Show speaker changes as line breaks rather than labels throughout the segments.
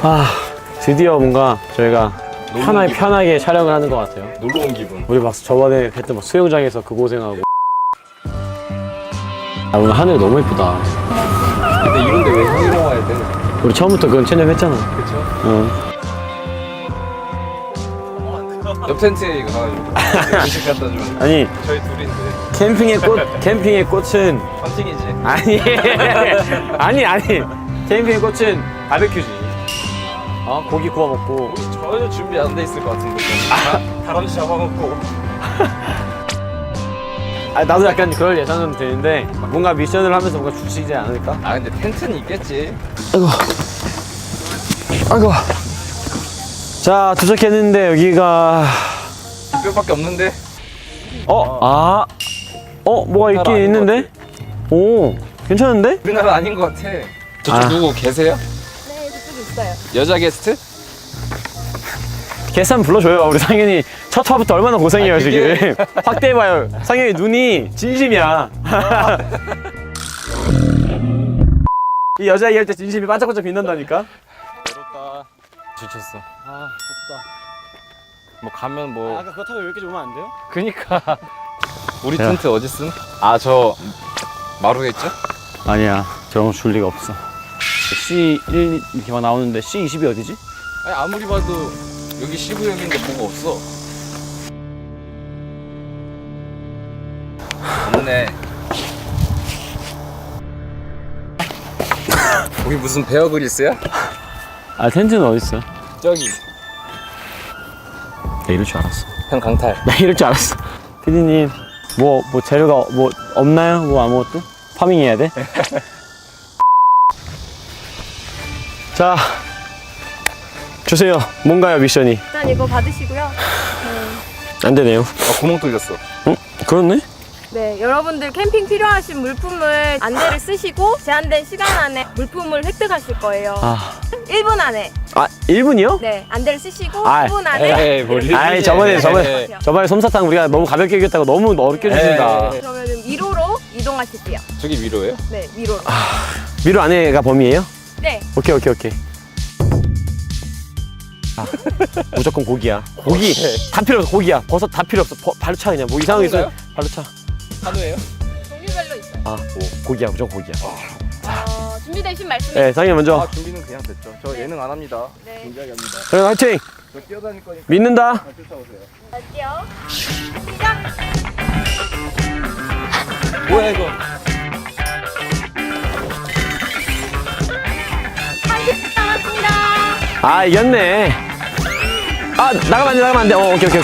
아, 드디어 뭔가 저희가 편하게 촬영을 하는 것 같아요.
놀러 온 기분.
우리 막 저번에 했던 막 수영장에서 그 고생하고. 아, 오늘 하늘 너무 예쁘다.
근데 이런데 왜 형이랑 와야 돼?
우리 처음부터 그건 체념했잖아.
그쵸?
어.
옆 텐트에 이거 가가지고 음식 갖다 주면
아니,
저희 둘인데
캠핑의 꽃은
헌팅이지.
아니. 캠핑의 꽃은 바베큐지. 고기 구워 먹고.
전혀 준비 안 돼 있을 것 같은데. 다람쥐 잡아먹고.
나도 약간 그럴 예상은 되는데 뭔가 미션을 하면서 뭔가 주시지 않을까?
아 근데 텐트는 있겠지.
아이고. 자, 도착했는데 여기가
뼈밖에 없는데.
뭐가 있긴
아닌
있는데? 오, 괜찮은데?
우리나라 아닌 것 같아. 저쪽 누구 계세요?
네, 저쪽에 있어요.
여자 게스트?
게스트 한번 불러줘요. 우리 상현이 첫 화부터 얼마나 고생해요.
그게...
지금 확대해봐요. 상현이 눈이 진심이야. 이 여자 얘기할 때 진심이 반짝반짝 빛난다니까.
외롭다. 지쳤어.
덥다.
뭐 가면 뭐.
아까 그거 타고 여기까지 오면 안 돼요?
그니까. 우리
야.
텐트 어디 쓴? 저 마루겠죠?
아니야, 저런 줄 리가 없어. C1 이렇게 막 나오는데 C20이 어디지?
아니 아무리 봐도 여기 시구역인데 뭐가 없어. 없네. 거기 무슨 베어그릴스야?
텐트는 어딨어?
저기
나 이럴 줄 알았어.
형 강탈.
나 이럴 줄 알았어. 피디님, 뭐 재료가 뭐 없나요? 뭐 아무것도? 파밍 해야 돼? 자, 주세요. 뭔가요, 미션이?
일단 이거 받으시고요.
안 되네요.
구멍 뚫렸어.
응? 그렇네?
네, 여러분들 캠핑 필요하신 물품을 안대를 쓰시고 제한된 시간 안에 물품을 획득하실 거예요. 1분 안에.
1분이요?
네, 안대를 쓰시고
아,
1분 안에.
에이 뭘
아이, 저번에 솜사탕 우리가 너무 가볍게 얘기했다고 너무 어렵게 주신다.
그러면 위로로 이동하실게요.
저기 위로예요?
네, 위로로.
미루 안에가 범위예요?
네.
오케이. 무조건 고기야. 고기 다 필요 없어. 고기야. 버섯 다 필요 없어. 바로 차 그냥. 뭐 이상한 거 있으면 바로 차.
한우예요?
종류별로 있어요.
고기야. 무조건 고기야.
준비되신 말씀.
네, 상현 먼저.
준비는 그냥 됐죠. 저 예능 안 합니다.
네.
진지하게 합니다.
그럼 화이팅.
저 뛰어다닐 거니까
믿는다.
쫓아오세요.
갈게요. 시작.
뭐야 이거?
30분 남았습니다.
이겼네. 나가면 안 돼. 오케이.
10초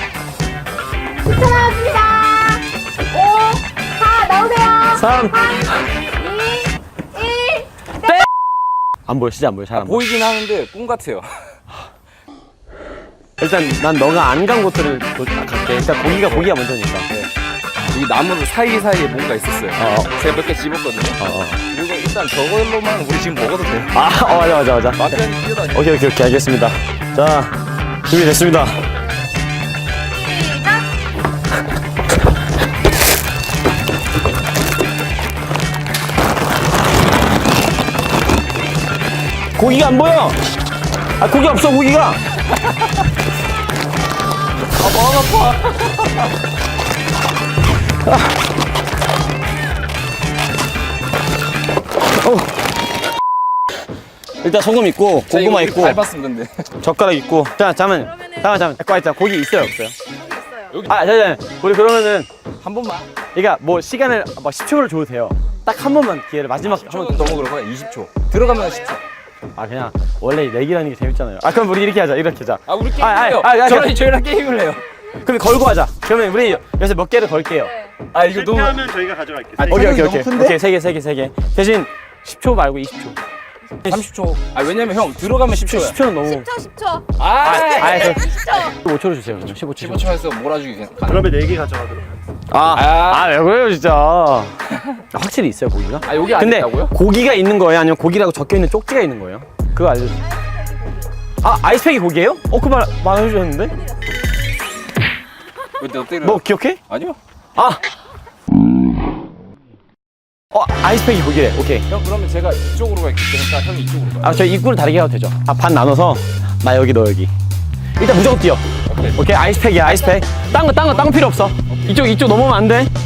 남았습니다. 5, 4, 나오세요.
3.
2, 1.
안 보여. 진짜 안 보여. 잘 안 보여.
보이긴 하는데 꿈 같아요.
일단 난 너가 안 간 곳들을 갈게. 일단 고기가 먼저니까.
이 나무 사이사이에 뭔가 있었어요. 제가 몇 개 집었거든요. 이거 일단 저걸로만 우리 지금 먹어도 돼요.
맞아.
막변히 뛰어다녀.
오케이. 알겠습니다. 자, 준비됐습니다.
시작.
고기가 안 보여. 고기 없어. 고기가.
마음 아파.
일단 소금 있고 고구마 있고
밟았음 근데.
젓가락 있고. 잠깐만. 고기 있어요, 없어요?
있어요.
잠깐. 우리 그러면은
한 번만.
그러니까 뭐 시간을 막 10초를 줘도 돼요. 딱 한 번만 기회를 마지막 한 번.
너무 그런 거야. 20초. 들어가면 10초.
그냥 원래 내기라는 게 재밌잖아요. 그럼 우리 이렇게 하자.
우리 게임을 해요. 저희랑 게임을 해요.
그럼 걸고 하자. 그러면 우리 여기서 몇 개를 걸게요.
네.
이거 너무.
실패하면 저희가 가져갈게요.
오케이. 세 개. 대신 10초 말고 20초.
30초. 왜냐면 형 들어가면 10초야.
10초는 너무.
10초.
10초. 15초로 주세요. 그럼 15초.
15초에서 몰아주기 그냥.
그러면 4개 가져가도록 하겠습니다.
왜 그래요, 진짜. 확실히 있어요, 고기가?
여기 안
근데
있다고요?
고기가 있는 거예요? 아니면 고기라고 적혀 있는 쪽지가 있는 거예요? 그거 알려주세요. 아이스팩이 고기예요? 그 말해주셨는데?
왜 너 때려?
너 기억해?
아니요.
아이스팩이 고기래. 오케이.
형 그러면 제가 이쪽으로 갈게. 그러니까 형이 이쪽으로 가.
아, 저 입구를 다르게 가도 되죠? 아, 반 나눠서 나 여기 너 여기. 일단 무조건 뛰어.
오케이.
오케이, 아이스팩이야, 아이스팩. 딴 거 필요 없어. 이쪽 넘으면 안 돼.